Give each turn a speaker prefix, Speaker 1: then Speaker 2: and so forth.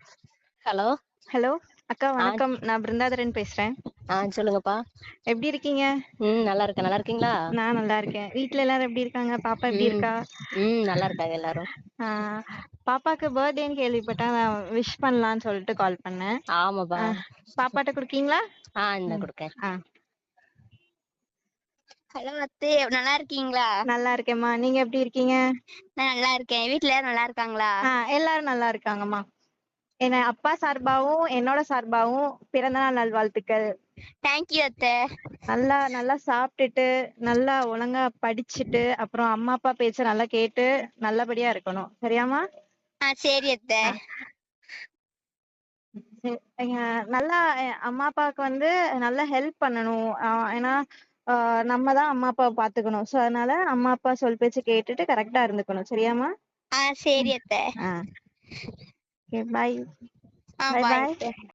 Speaker 1: Hello.
Speaker 2: Hello அக்கா,
Speaker 1: ஆ
Speaker 2: வணக்கம். நான் பிருந்தாதரன் பேசுறேன்.
Speaker 1: சொல்லுங்கப்பா.
Speaker 2: எப்படி இருக்கீங்க?
Speaker 1: நல்லா இருக்கேன். நல்லா இருக்கீங்களா?
Speaker 2: நான் நல்லா இருக்கேன். வீட்ல எல்லாரும் எப்படி இருக்காங்க? பாப்பா எப்படி
Speaker 1: ம்
Speaker 2: இருக்கா?
Speaker 1: நல்லா இருக்காங்க எல்லாரும்.
Speaker 2: ஆ, பாப்பாக்கு பர்த்டேன்னு கேள்விப்பட்டேன். நான் விஷ் பண்ணலான்னு சொல்லிட்டு கால் பண்ணேன்.
Speaker 1: ஆமாப்பா.
Speaker 2: பாப்பாட்ட குடுக்கீங்களா?
Speaker 1: இந்த கொடுக்கேன்.
Speaker 2: ஆ,
Speaker 3: ஹலோ அத்தை, நல்லா இருக்கீங்களா?
Speaker 2: நல்லா இருக்கேம்மா. நீங்க எப்படி இருக்கீங்க?
Speaker 3: நான் நல்லா இருக்கேன். வீட்ல எல்லாரும் நல்லா இருக்காங்களா?
Speaker 2: எல்லாரும் நல்லா இருக்காங்கம்மா. என்ன அப்பா சார்பாவும் என்னோட சார்பாவும் பிறந்தநாள் நல்வாழ்த்துக்கள்.
Speaker 3: தேங்க்யூ அத்தை.
Speaker 2: நல்லா நல்லா சாப்பிட்டுட்டு நல்லா ஒழுங்கா படிச்சுட்டு அப்புறம் அம்மா அப்பா பேச்ச நல்லா கேட்டு நல்லபடியா இருக்கணும். சரியாம்மா?
Speaker 3: சரி அத்தை.
Speaker 2: சரி. நல்லா அம்மா அப்பாவுக்கு வந்து நல்லா ஹெல்ப் பண்ணணும். ஏன்னா நம்ம தான் அம்மா அப்பாவை பாத்துக்கணும். ஸோ அதனால அம்மா அப்பா சொல் பேச்சு கேட்டுட்டு கரெக்டா இருந்துக்கணும். சரியாம்மா?
Speaker 3: சரி அத்தை.
Speaker 2: பாய்.
Speaker 3: பாய்
Speaker 2: பாய்.
Speaker 3: அத்தை.